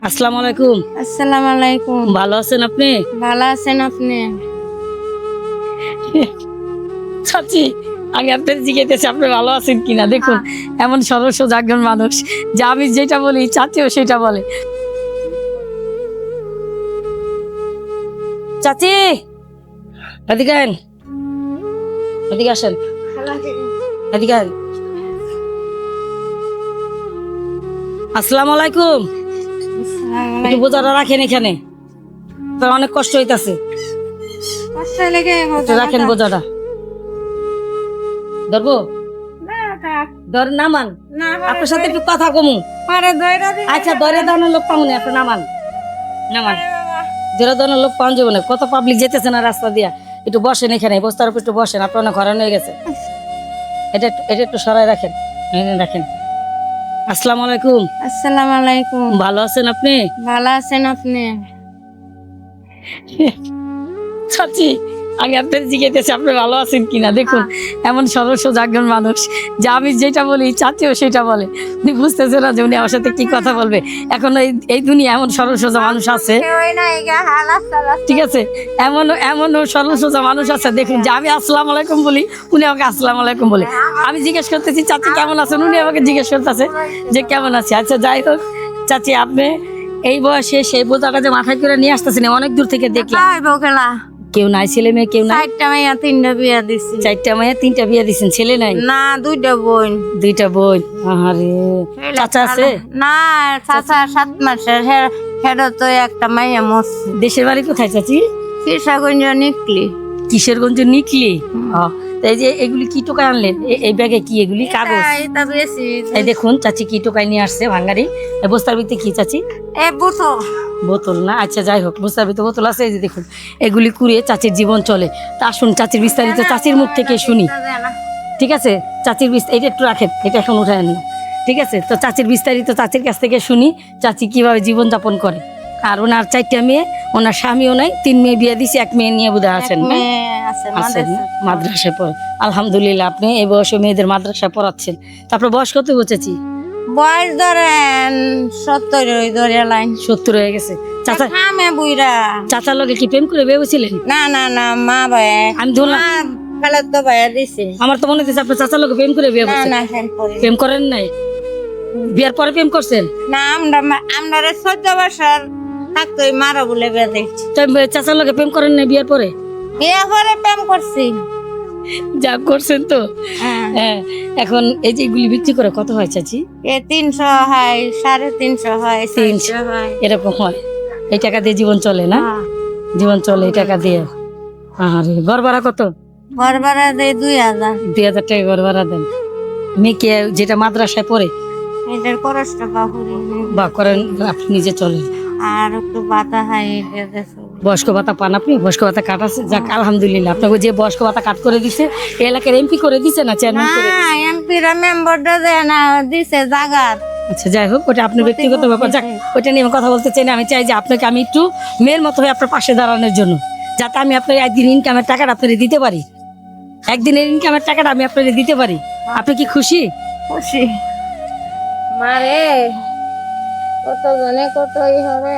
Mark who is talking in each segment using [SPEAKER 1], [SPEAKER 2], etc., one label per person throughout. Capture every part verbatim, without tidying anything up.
[SPEAKER 1] আসসালামু আলাইকুম।
[SPEAKER 2] আসসালামু আলাইকুম।
[SPEAKER 1] ভালো আছেন আপনি?
[SPEAKER 2] ভালো আছেন আপনি?
[SPEAKER 1] চাচি, আমি আপনার জিজ্ঞেস আপনি ভালো আছেন কিনা। দেখুন এমন সরল সোজা একজন মানুষ, যে আমি যেটা বলি চাচিও সেটা বলে। চাচি এদিকে আইন, এদিকে আসেন, এদিকে আইন। আসসালামু আলাইকুম। একটু বোঝাটা রাখেন এখানে, তো অনেক কষ্ট হইতাছে। রাখেন বোঝাটা, ধরবো ধর নামান। আপনার সাথে একটু কথা কমু। আচ্ছা ধরে দাঁড়ানোর লোক পাবো না, আপনি নামান নামান। ধরে দাঁড়ানোর লোক পাওয়া যাবে না, কত পাবলিক যেতেছে না রাস্তা দিয়া। একটু বসেন এখানে, বস্তার উপর একটু বসেন, আপনার অনেক হরান হয়ে গেছে। এটা এটা একটু সরাই রাখেন, রাখেন। আসসালামু আলাইকুম।
[SPEAKER 2] আসসালামু আলাইকুম।
[SPEAKER 1] ভালো আছেন আপনি?
[SPEAKER 2] ভালো আছেন আপনি?
[SPEAKER 1] চাচি, আমি আপনার জিজ্ঞেস আপনি ভালো আছেন কিনা। দেখুন এমন সরল সোজা একজন মানুষ, যে আমি যেটা বলি চাচিও সেটা বলে। উনি বুঝতেছে না যে উনি আমার সাথে কি কথা বলবে। এখন এই এই দুনিয়া এমন সরল সোজা মানুষ আছে, ঠিক আছে, এমন এমন সরল সোজা মানুষ আছে। দেখুন যে আমি আসসালামু আলাইকুম বলি, উনি আমাকে আসসালামু আলাইকুম বলে। আমি জিজ্ঞেস করতেছি চাচি কেমন আছেন, উনি আমাকে জিজ্ঞেস করতেছে যে কেমন আছে। আচ্ছা যাই হোক চাচি, আপনি এই বয়সে সেই বোঝাটা যে মাথায় করে নিয়ে আসতেছেন অনেক দূর থেকে দেখলাম। কেউ নাই, ছেলে মেয়ে কেউ নাই?
[SPEAKER 2] চারটা মাইয়া তিনটা বিয়া দিছি।
[SPEAKER 1] চারটা মেয়ে তিনটা বিয়ে দিচ্ছেন, ছেলে নাই?
[SPEAKER 2] না, দুইটা বোন।
[SPEAKER 1] দুইটা বোন। আরে চাচা আছে?
[SPEAKER 2] না, চাচা সাত মাসের, হেডো তো একটা মাইয়া মরছে।
[SPEAKER 1] দেশের বাড়ি কোথায় চাচি?
[SPEAKER 2] কিশোরগঞ্জ নিকলি।
[SPEAKER 1] কিশোরগঞ্জ নিকলি। এই যে এগুলি কি টোকায় আনলেন? এই ব্যাগে কি এগুলি? কাগজ। এই দেখুন চাচি কি টোকায় নিয়ে আসছে ভাঙ্গারি। এই বস্তার ভিতরে কি চাচি?
[SPEAKER 2] এ বোতল।
[SPEAKER 1] বোতল না, আচ্ছা যাই হোক, বস্তার ভিতরে বোতল আছে। এই যে দেখুন এগুলি কুড়িয়ে চাচির জীবন চলে। তা আসুন চাচির বিস্তারিত চাচির মুখ থেকে শুনি, ঠিক আছে? চাচির বিস্তারিত এটা একটু রাখেন, এটা এখন উঠায় না, ঠিক আছে? তো চাচির বিস্তারিত চাচির কাছ থেকে শুনি চাচি কিভাবে জীবন যাপন করে। আর ওনার চারটা মেয়ে, ওনার স্বামীও নাই, তিন মেয়ে বিয়ে দিছে, এক মেয়ে নিয়ে বোধহয় আছেন মাদ্রাসায় পড়ে। আলহামদুলিল্লাহ, আপনি এই বয়সে মেয়েদের মাদ্রাসায় পড়াচ্ছেন। তারপর বয়স কত বুঝেছি?
[SPEAKER 2] বয়স ধরেন সত্তর ধরে লাইন।
[SPEAKER 1] সত্তর হয়ে গেছে। চাচা
[SPEAKER 2] খামে বুইরা।
[SPEAKER 1] চাচার লগে কি প্রেম করে ভেবেছিলেন?
[SPEAKER 2] না না না, মা ভাই
[SPEAKER 1] আমি ধরলাম
[SPEAKER 2] খালাত তো ভাইয়া দিছে।
[SPEAKER 1] আমার তো মনে হচ্ছে আপনি চাচার লগে প্রেম করে বিয়ে করছেন।
[SPEAKER 2] না না,
[SPEAKER 1] প্রেম করেন নাই, বিয়ার পরে প্রেম করছেন?
[SPEAKER 2] না, আমরা আমরা চোদ্দ বছর থাকতো মারা বলে বিয়ে দেখছি।
[SPEAKER 1] চাচার লগে প্রেম করেন নাই বিয়ার পরে?
[SPEAKER 2] বিয়ে করে প্রেম করছি।
[SPEAKER 1] যা করছেন তো। হ্যাঁ, এখন এই যে এগুলি বিক্রি করে কত হয় চাচি?
[SPEAKER 2] এ তিনশো হয়, সাড়ে তিনশো হয়, তিনশো হয়,
[SPEAKER 1] এরকম হয়। এই টাকা দিয়ে জীবন চলে না? জীবন চলে এই টাকা দিয়ে। আরে ঘর ভাড়া কত?
[SPEAKER 2] ঘর ভাড়া দেয় দুই হাজার।
[SPEAKER 1] দুই হাজার টাকা ঘর ভাড়া দেন। মেয়েকে যেটা মাদ্রাসায় পড়ে
[SPEAKER 2] এটার খরচটা বাহুরি
[SPEAKER 1] বা করেন, আপনি নিজে চলেন।
[SPEAKER 2] আর একটু বাতা হয়।
[SPEAKER 1] বয়স্ক ভাতা পান আপনি? বয়স্ক ভাতা কাট আছে? যাক আলহামদুলিল্লাহ, আপনাকে যে বয়স্ক ভাতা কাট করে দিছে, এই এলাকার এমপি করে দিছে না চেয়ারম্যান করে?
[SPEAKER 2] এমপিরা মেম্বারটা দেয় না, দিছে জাগার।
[SPEAKER 1] আচ্ছা যাই হোক, ওটা আপনার ব্যক্তিগত ব্যাপার। যাক, ওইটা নিয়ে আমি কথা বলতে চাই না। আমি চাই যে আপনাকে আমি একটু মেয়ের মতো হয়ে আপনার পাশে দাঁড়ানোর জন্য, যাতে আমি আপনার একদিন ইনকামের টাকাটা আপনাকে দিতে পারি। একদিনের ইনকামের টাকাটা আমি আপনাকে দিতে পারি। আপনি কি খুশি?
[SPEAKER 2] খুশি। মারে কত জনে কতই হবে।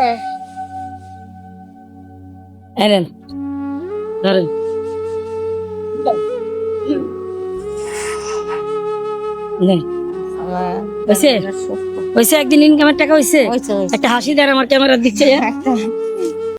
[SPEAKER 1] এনেন, ধরেন। হয়েছে হয়েছে একদিন ইনকামের টাকা হয়েছে। একটা হাসি দেন আমার ক্যামেরার দিচ্ছে।